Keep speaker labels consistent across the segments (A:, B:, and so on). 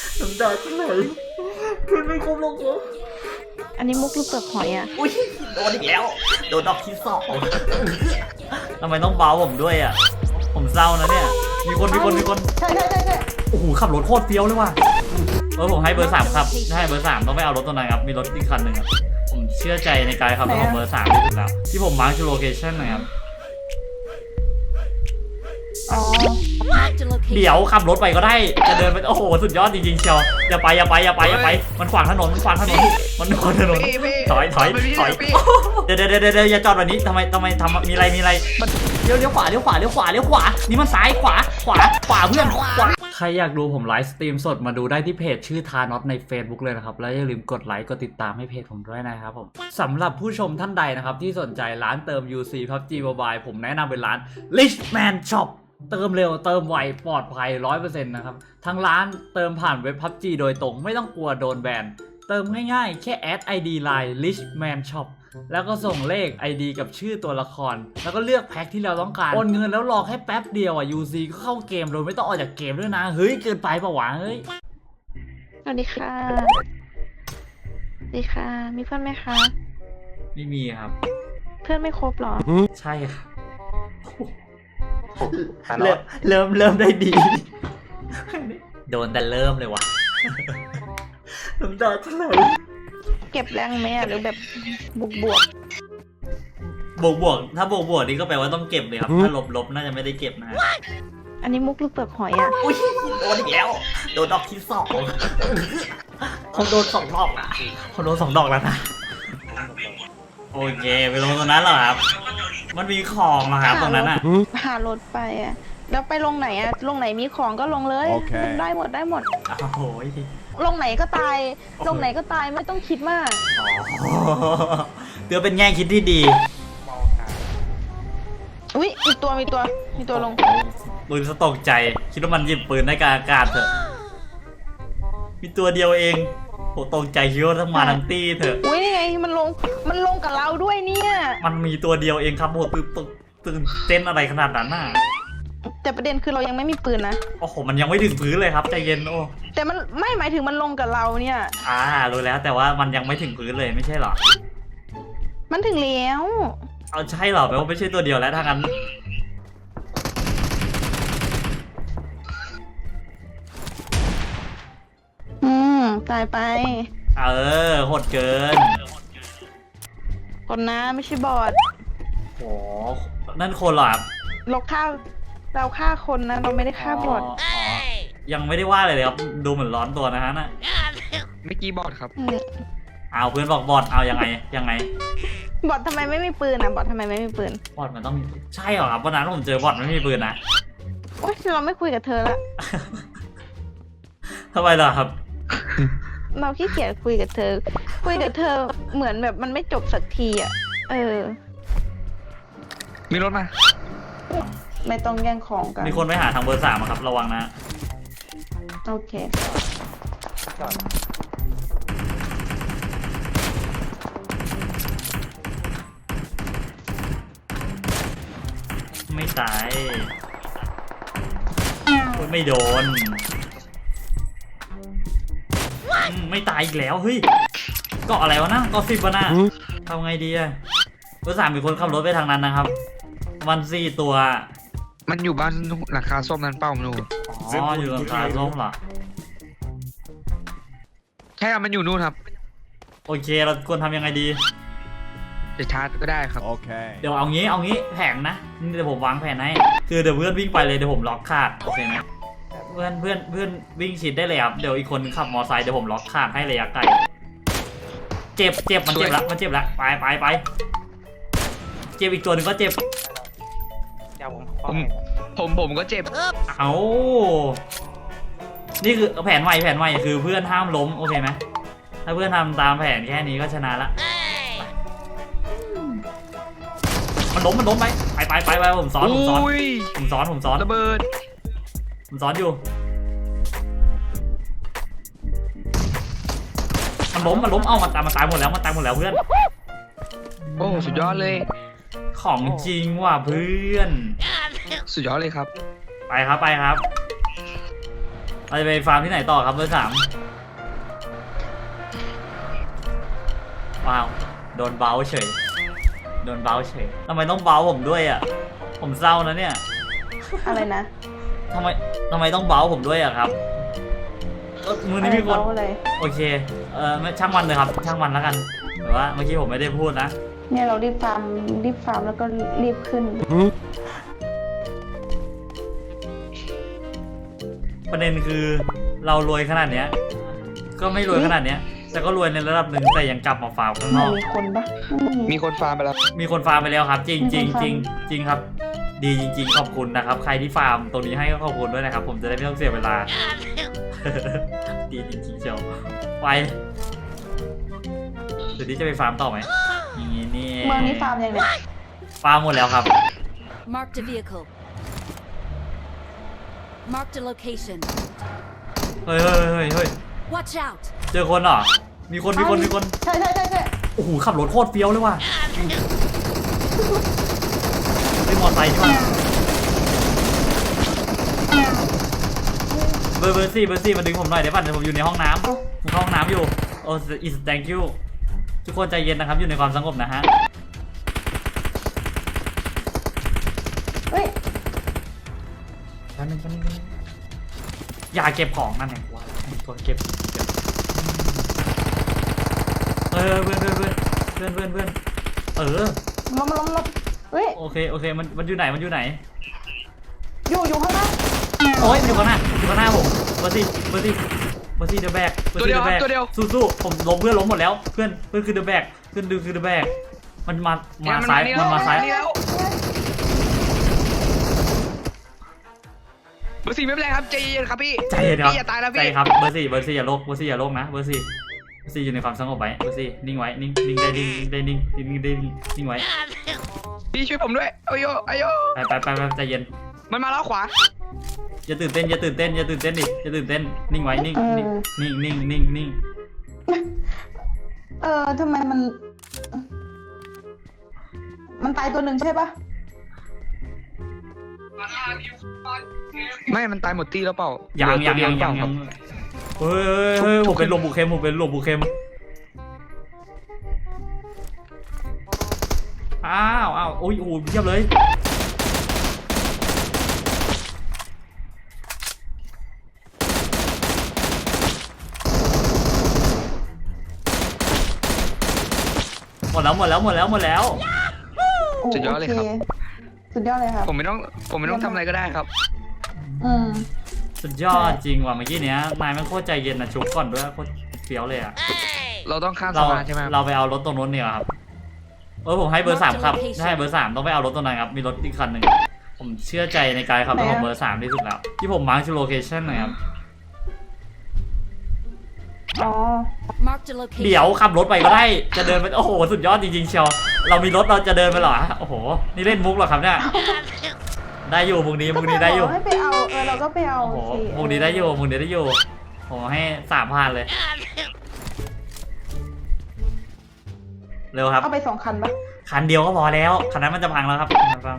A: น้ำตาจะไหลเพื่อนไม่คบหรอกเหรอ
B: อันนี้มุกหรือเปลือกหอยอ่ะ
A: อุ้ยโดนอีกแล้วโดนดอกที่สองทำไมต้องเบาผมด้วยอ่ะผมเศร้านะเนี่ยมีคน
B: ใช่
A: โอ้โหขับรถโคตรเฟี้ยวเลยว่ะผมให้เบอร์ 3ครับถ้าให้เบอร์ 3ต้องไม่เอารถตัวนั้นครับมีรถอีกคันหนึ่งครับผมเชื่อใจในการขับรถของเบอร์ 3ที่สุดแล้วที่ผมมาร์คคือโลเคชั่นนะครับ
B: อ๋อ
A: เดี๋ยวขับรถไปก็ได้จะเดินไปโอ้โหสุดยอดจริงๆเชียวอย่าไปมันขวางถนนมันขวางถนนถอยเดี๋ยวอย่าจอดแบบนี้ทำไมมีอะไรมันเลี้ยวขวานี่มันซ้ายขวาเพื่อนขวาใครอยากดูผมไลฟ์สตรีมสดมาดูได้ที่เพจชื่อทานอตใน Facebook เลยนะครับแล้วอย่าลืมกดไลค์กดติดตามให้เพจผมด้วยนะครับผมสำหรับผู้ชมท่านใดนะครับที่สนใจร้านเติม UC PUBG Mobile ผมแนะนำเป็นร้าน Richman Shopเติมเร็วเติมไวปลอดภัย 100% นะครับทางร้านเติมผ่านเว็บ PUBG โดยตรงไม่ต้องกลัวโดนแบนเติมง่ายๆแค่แอด ID Line Richman Shop แล้วก็ส่งเลข ID กับชื่อตัวละครแล้วก็เลือกแพ็คที่เราต้องการโอนเงินแล้วรอแค่แป๊บเดียวอ่ะ UC ก็เข้าเกมโดยไม่ต้องออกจากเกมด้วยนะเฮ้ยเกินไปปะวะเฮ้ย
B: สวัสดีค่ะมีเพื่อนไหมคะ
A: ไม่มีครับ
B: เพื่อนไม่ครบหรอ
A: ใช่ครับเริ่มได้ดีโดนแต่เริ่มเลยวะน้ำตาจะไหล
B: เก็บแรงไหมหรือแบบบวก
A: บวกถ้าบวกนี่ก็แปลว่าต้องเก็บเลยครับถ้าลบน่าจะไม่ได้เก็บนะ
B: อันนี้มุกหรือเปลือกหอยอ่ะ
A: อุ้ยโดนอีกแล้วโดนดอกที่สองเขาโดน2 ดอกนะเขาโดน2 ดอกแล้วนะโอเคไปลงตรงนั้นเหรอครับมันมีของเหรอครับตรงนั้นอ่ะ
B: หารถไปอ่ะแล้วไปลงไหนอ่ะลงไหนมีของก็ลงเลยได้หมด
A: โอ้โห
B: ลงไหนก็ตายไม่ต้องคิดมาก
A: เดี๋ยวเป็นแง่คิดที่ดี
B: อุ้ยมีตัวลง
A: ปืนสตกใจคิดว่ามันหยิบปืนได้กลางอากาศเถอะมีตัวเดียวเองโหตกใจคิดว่าต้องมาทั้งตี้เถอะ
B: อุ้ยนี่ไงมันลงกับเราด้วยเนี่ย
A: มันมีตัวเดียวเองครับโหตื่นเต้นอะไรขนาดนั้นน่ะ
B: แต่ประเด็นคือเรายังไม่มีปืนนะ
A: โอ้โหมันยังไม่ถึงพื้นเลยครับใจเย็นโอ้
B: แต่มันไม่หมายถึงมันลงกับเราเนี่ย
A: รู้แล้วแต่ว่ามันยังไม่ถึงพื้นเลยไม่ใช่เหรอ
B: มันถึงแล้ว
A: เอาใช่เหรอแปลว่าไม่ใช่ตัวเดียวแล้วถ้างั้น
B: ตายไป
A: โหดเกิน
B: คนนะไม่ใช่บอท
A: โอ้นั่นคนเหรอครับ
B: เราฆ่าคนนะเราไม่ได้ฆ่าบอท
A: ยังไม่ได้ว่าเลยครับดูเหมือนร้อนตัวนะฮะน่ะ
C: เมื่อกี้บอดครับ
A: เอาเพื่อนบอกบอดเอายังไง
B: บอททำไมไม่มีปืนนะบอททำไมไม่มีปืน
A: บอดมันต้องใช่เหรอครับวันนั้นผมเจอบอดไม่มีปืนนะ
B: โอ๊ยเราไม่คุยกับเธอละ
A: ทำไมล่ะครับ
B: เราขี้เกียจคุยกับเธอเหมือนแบบมันไม่จบสักทีอ่ะ
C: มีรถมา
B: ไม่ต้องแย่งของกัน
A: มีคนไปหาทางเบอร์ 3ครับระวังนะ
B: โอเค
A: ไม่ตายไม่โดนไม่ตายอีกแล้วเฮ้ยเกาะอะไรวะนะเกาะ10วะนะทำไงดีอะเบอร์ 3มีคนขับรถไปทางนั้นนะครับมัน4 ตัว
C: มันอยู่บ้านหลังคาส้มนั้นเป้ามันอยู่
A: อยู่หลังคาส้มเหรอ
C: ใช่ครับมันอยู่นู่นครับ
A: โอเคเราควรทำยังไงดี
C: จะชาร์จก็ได้ครับ
D: โอเค
A: เดี๋ยวเอางี้แผนนะเดี๋ยวผมวางแผนให้คือเดี๋ยวเพื่อนวิ่งไปเลยเดี๋ยวผมล็อกขาดโอเคไหมเพื่อนวิ่งชิดได้เลยครับเดี๋ยวอีกคนขับมอไซค์เดี๋ยวผมล็อกขาดให้ระยะไกลเจ็บมันเจ็บแล้วไปเจ็บอีกตัวหนึ่งก็เจ็บ
C: ผมก็เจ็บ
A: เอานี่คือแผนใหม่คือเพื่อนห้ามล้มโอเคไหมถ้าเพื่อนทำตามแผนแค่นี้ก็ชนะละมันล้มไปผมซ้อน
C: ระเบิด
A: ผมซ้อนอยู่มันล้มเอามันตายหมดแล้วเพื่อน
C: โอ้สุดยอดเลย
A: ของจริงว่ะเพื่อน
C: สุดยอดเลยครับ
A: ไปครับเราจะไปฟาร์มที่ไหนต่อครับเบอร์ 3ว้าวโดนเบ้าเฉยโดนเบ้าเฉยทำไมต้องเบ้าผมด้วยอ่ะผมเศร้านะเนี่ย
B: อะไรนะ
A: ทำไมต้องเบ้าผมด้วยอ่ะครับมือนี้มีคน
B: อะไร
A: โอเคไม่ช่างมันเลยครับช่างมันแล้วกันแต่ว่าเมื่อกี้ผมไม่ได้พูดนะ
B: เนี่ยเรารีบฟาร์มแล้วก็รีบขึ้น
A: ประเด็นคือเรารวยขนาดเนี้ยก็ไม่รวยขนาดเนี้ยแต่ก็รวยในระดับหนึ่งแต่ยังกลับมาฟาร์มข้างนอก
B: มีคนปะ
C: มีคนฟาร์มไปแล้ว
A: มีคนฟาร์มไปแล้วครับ จริงจริงจริงจริงครับ ดีจริงๆขอบคุณนะครับ ใครที่ฟาร์มตรงนี้ให้ก็ขอบคุณด้วยนะครับ ผมจะได้ไม่ต้องเสียเวลา ดีจริงๆเชียวไปเดี๋ยวนี้จะไปฟาร์มต่อไหมอย่างนี้นี่
B: เมืองนี้ฟาร์มยังเนี่ย
A: ฟาร์มหมดแล้วครับ
D: Marked a vehicle. Marked a location.
A: เฮ้ย
D: Watch out!
A: เจอคนเหรอมีคน
B: ใช่
A: โอ้โหขับรถโคตรเฟี้ยวเลยว่ะไม่มอไซค์ใช่ไหมเบอร์สี่มาดึงผมหน่อยเดี๋ยวป่ะเดี๋ยวผมอยู่ในห้องน้ำผมเข้าห้องน้ำอยู่โอ้ is thank you ทุกคนใจเย็นนะครับอยู่ในความสงบนะฮะ
B: เฮ้ย
A: แป๊บนึงอย่าเก็บของนั่นไงวะตัวเก็บเพื่อน
B: ล้มเฮ้ย
A: โอเคมันอยู่ไหน
B: อยู่ข้างหน้า
A: โอ้ยมันอยู่ข้างหน้าผมเบอร์ซี่เดอะแบกสู้ผมล้มเพื่อนล้มหมดแล้วเพื่อนคือเดอะแบกเพื่อนคือเดอะแบกมันมาซ้าย
C: เบอร์ 4ไม่เป็นไรครับใจเย็นครับพี่
A: ใจเย็นครับ
C: อย่าตายนะพี่
A: ใจครับเบอร์4อย่าโลกนะเบอร์4อยู่ในความสงบไว้เบอร์4นิ่งไว้นิ่งได้นิ่งไว้
C: พี่ช่วยผมด้วยโอ้ย
A: ไปใจเย็น
C: มันมาแล้วขวา
A: อย่าตื่นเต้นดิอย่าตื่นเต้นนิ่งไว้นิ่ง
B: ทำไมมันตายตัวหนึ่งใช่ปะ
C: ไม่มันตายหมดตีแล้วเปล่า
A: ยัง
C: ครับ
A: เฮ้ยผมเป็นลมบุกเค็มอ้าวโอ้ยเยี่ยมเลยหมดแล้ว
C: สุดยอดเลยครับ
B: สุดยอดเลยครับ
C: ผมไม่ต้องทำอะไรก็ได้ครับ
A: สุดยอดจริงว่ะเมื่อกี้เนี้ยนายมันโคตรใจเย็นนะชุบก่อนด้วยโคตรเฟี้ยวเลยอ่ะ
C: เราต้องข้ามสะพานใช่ไหม
A: เราไปเอารถตรงนู้นเนี่ยครับผมให้เบอร์ 3ครับให้เบอร์ 3ต้องไปเอารถตรงนั้นครับมีรถอีกคันหนึ่งผมเชื่อใจในการขับรถของเบอร์ 3ที่สุดแล้วที่ผมมาร์คชื่อโลเคชั่นนะครับ
B: อ๋อ
D: Marked a location.
A: เดี๋ยวขับรถไปก็ได้จะเดินไปโอ้โหสุดยอดจริงๆเชียวเรามีรถเราจะเดินไปเหรอโอ้โหนี่เล่นมุกเหรอครับเนี่ยได้อยู่มุกนี้ได้อยู่
B: ให้ไปเอาเราก็ไปเอา
A: โอ้โหมุกนี้ได้อยู่ผมให้3,000เลยเร็วครับ
B: เอาไป2 คันปะ
A: คันเดียวก็พอแล้วคันนั้นมันจะพังแล้วครับ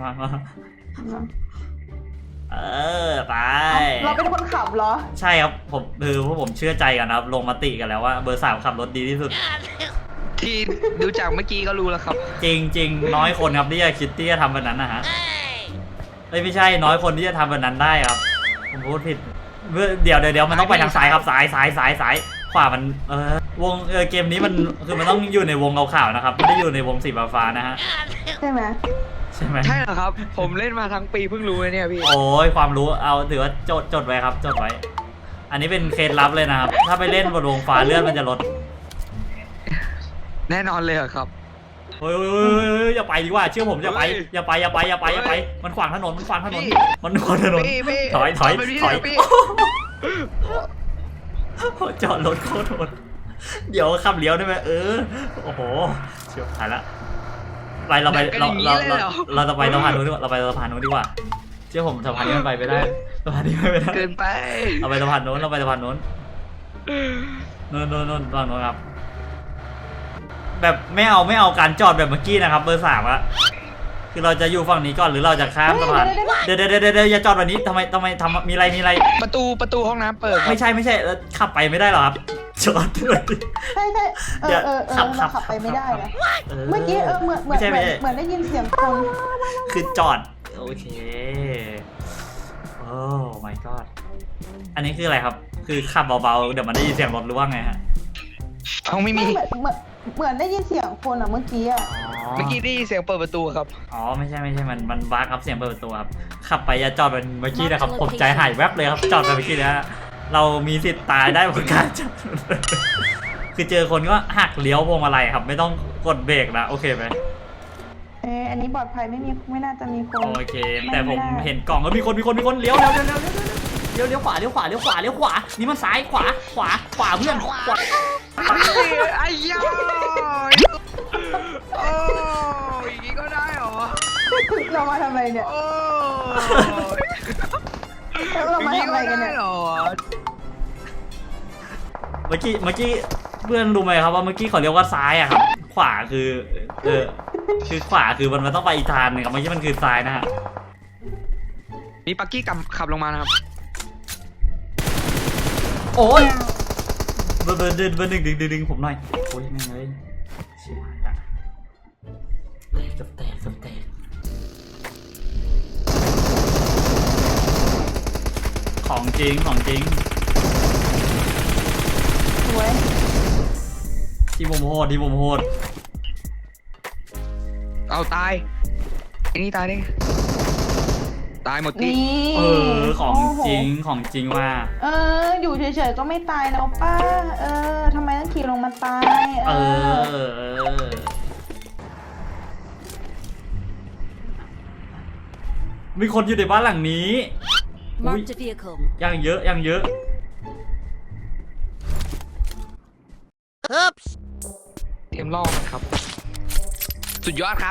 A: ไป
B: เราเป็นคนขับเหรอ
A: ใช่ครับผมพวกผมเชื่อใจกันนะครับลงมติกันแล้วว่าเบอร์ 3ขับรถดีที่สุด
C: ที่ดูจากเมื่อกี้ก็รู้แล้วครับ
A: จริงน้อยคนครับที่จะคิดที่จะทำแบบนั้นนะฮะไม่ใช่น้อยคนที่จะทำแบบนั้นได้ครับผมพูดผิดเดี๋ยวมันต้องไปทางซ้ายครับซ้ายขวามันวงเกมนี้มันคือมันต้องอยู่ในวงขาวๆนะครับไม่ได้อยู่ในวงสีฟ้าๆนะฮะ
B: ใช่ไหม
A: ใช่ไหม
C: ใช่เหรอครับ ผมเล่นมาทั้งปีเพิ่งรู้เลยเนี่ยพี่
A: โอ้ยความรู้เอาถือว่าจดไว้ครับจดไว้ อันนี้เป็นเคล็ดลับเลยนะครับถ้าไปเล่นบนวงฟ้าเลื่อนมันจะลด
C: แน่นอนเลยเหรอครับ
A: เฮ้ยอย่าไปดีกว่าเชื่อผมอย่าไปมันขวางถนนถอยจอดรถโคตรโหดเดี๋ยวขับเลี้ยวได้ไหมโอ้โหเชี่ยวถ่ายละเราจะไปสะพานนู้นดีกว่าเราไปสะพานนู้นดีกว่าเชื่อผมสะพานนี้มันไปไม่ได้สะพานนี้ไม่ได้
C: เกินไป
A: เราไปสะพานนู้นนู่นฝั่งนู้นครับแบบไม่เอาการจอดแบบเมื่อกี้นะครับเบอร์ 3อะคือเราจะอยู่ฝั่งนี้ก่อนหรือเราจะข้ามสะพานเดี๋ยวอย่าจอดแบบนี้ทำไมทำมีอะไร
C: ประตูห้องน้ำเปิดครับ
A: ไม่ใช่แล้วขับไปไม่ได้หรอครับจอดด้วย
B: ใช่เราขับไปไม่ได้นะเมื่อกี้เหมือนได้ยินเสียงคน
A: คือจอดโอเคโอ้ my god อันนี้คืออะไรครับคือขับเบาๆเดี๋ยวมันได้ยินเสียงรถหรือว่าไงฮะ
C: เอาไม่มี
B: เหมือนได้ยินเสียงคนอ่ะเมื่อกี้อ่ะ
C: เมื่อกี้ได้ยินเสียงเปิดประตูครับ
A: อ๋อไม่ใช่มันบ้าครับเสียงเปิดประตูครับขับไปอย่าจอดเป็นเมื่อกี้นะครับผมใจหายแวบเลยครับจอดไปเมื่อกี้นะเรามีสิทธิ์ตายได้เหมือนกันคือเจอคนก็หักเลี้ยวพวงมาลัยครับไม่ต้องกดเบรกนะโอเคไหม
B: อันนี้ปลอดภัยไม่น่าจะมีคน
A: โอเคแต่ผมเห็นกล่องแล้วมีคนเลี้ยวขวานี่มันซ้ายขวาเพื่อนขวา
C: ไอ้ยาโอ้ยอย่างนี้ก็ได้เหรอ
B: เรามาทำอะไรเนี่ย
C: โอ้ย
B: เรามาทำอะไรกันเนี่ย
C: เหรอ
A: เมื่อกี้เพื่อนรู้ไหมครับว่าเมื่อกี้เขาเรียกว่าซ้ายอะครับขวาคือคือขวาคือมันต้องไปอีกทางนึงครับเมื่อกี้มันคือซ้ายนะฮะ
C: มีปักกี้ขับลงมานะครับ
A: โอ้ยเบอร์ดึงผมหน่อยโอ้ยแม่งเลยชิบหายละแตกของจริง
B: สวย
A: ที่ผมโหด
C: เอาตายไอ้นี่ตายได้ไงตายหมดที่
B: นี่
A: ของจริงว่า
B: อยู่เฉยๆก็ไม่ตายแล้วป้าทำไมต้องขี่ลงมาตาย
A: มีคนอยู่ในบ้านหลังนี้
D: Marked a vehicle.
A: ยังเยอะ
C: เตรียมล่อมันครับ สุดยอดครับ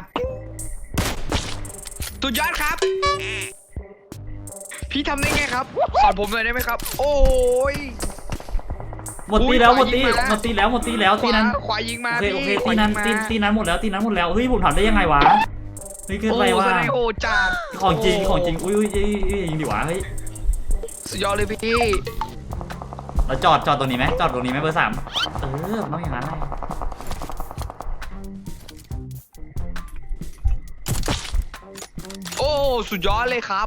C: พี่ทำได้ไงครับสอนผมหน่อยได้ไหมครับ โอ้ย
A: หมดตีแล้วตีนั้น
C: ขวายิงมา
A: โอเค
C: พี่
A: ตีนั้นหมดแล้วเฮ้ยผมทำได้ยังไงวะเฮ้ยเกินไปว่า
C: โอ้จ่า
A: ของจริงอุ้ยยิงดิวะเฮ้ย
C: สุดยอดเลยพี่
A: เราจอดตรงนี้ไหมเบอร์ 3ต้องอย่างนั้นเลย
C: โอ้สุดยอดเลยครับ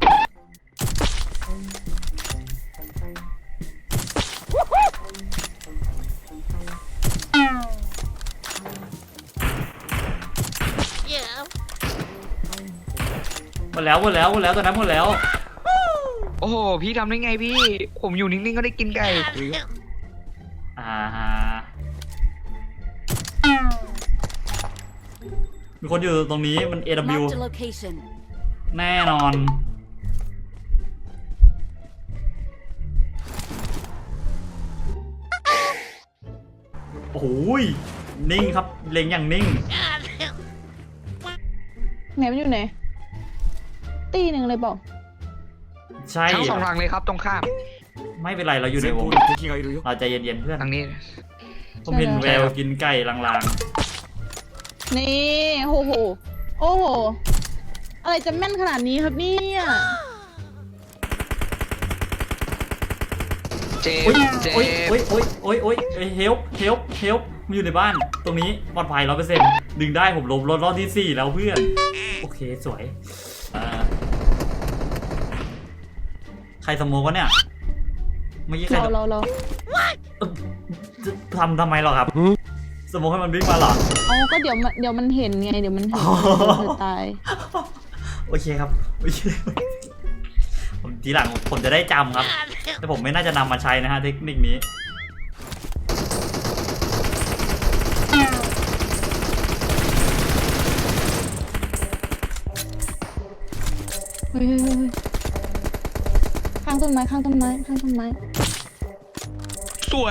A: หมดแล้วตอนนั้นหมดแล้ว
C: โอ้โหพี่ทำได้ไงพี่ ผมอยู่นิ่งๆก็ได้กินไก่
A: มีคนอยู่ตรงนี้มัน AW
D: Marked a location.
A: แน่นอน โอ้โหนิ่งครับเล็งอย่างนิ่ง
B: ไหนมันอยู่ไหนตีหนึ่งเลยบอก
A: ใช่
C: ทั้งสองทางเลยครับตรงข้าม
A: ไม่เป็นไรเราอยู่ในวงเราใจเย็นๆเพื่อน
C: ทางนี้
A: ผมเห็นแววกินไก่ลาง
B: นี่โอ้โหอะไรจะแม่นขนาดนี้ครับเนี่ย
C: เจ
A: ๆ
C: ม
A: โอ้ย
C: ส์เจ
A: โอ้ย
C: ม
A: โอ้ย
C: ส์
A: โอ้ยโอ้ยโอ้ยเฮลมันอยู่ในบ้านตรงนี้ปลอดภัย100%ดึงได้ผมลบรอบที่4แล้วเพื่อนโอเคสวยใครสโมกวะเนี่ยเมื่อกี้ใคร
B: เรา
A: ทำไมหรอครับสโมกให้มันวิ่งมาหรอ
B: ก็เดี๋ยวมันเห็นไงเดี๋ยวมันเห็นจะตาย
A: โอเคครับโอเคผมทีหลังผมจะได้จำครับแต่ผมไม่น่าจะนำมาใช้นะฮะเทคนิคนี้
B: เฮ้ยข้างต้นไม้
C: สวย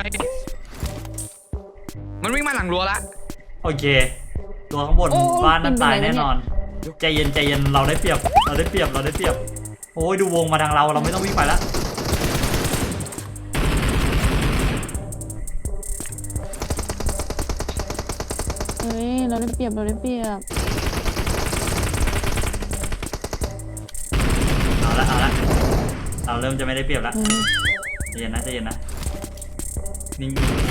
C: มันวิ่งมาหลังรั้วละ
A: โอเคตัวข้างบนบ้านนั้นตายแน่นอนใจเย็นเราได้เปรียบโอ้ยดูวงมาทางเราไม่ต้องวิ่งไปแล้ว
B: เราได้เปรียบ
A: เริ่มจะไม่ได้เปรียบแล้ว
B: อืม
A: ใจเย็นนะใจเย็นนะนิ่ง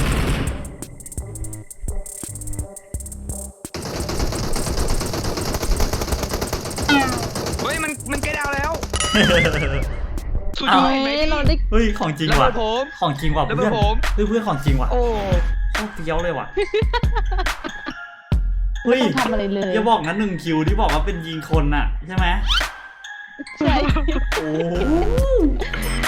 C: เฮ้ยมันแกดาวแล้ว สุดย
A: อ้า
C: อ
A: ว
C: ดไหม
B: เฮ้ย
C: พี่
B: เราได้
A: เฮ้ยของจริง
C: ระเบิ
A: ว่ะ
C: ดผม
A: ของจริงว่ะ
C: ระเบิ
A: เพื่อ
C: ด
A: น
C: ผม
A: เพื่อนของจริงว่ะ
B: โอ้
A: โคตรเฟี้ยวเลยว่ะเฮ้ย
B: ไม่ต้องทำอะไรเลย
A: อย่าบอกนะ1 คิวที่บอกว่าเป็นยิงคนน่ะใช่ไหม
B: ใช่
A: โอ้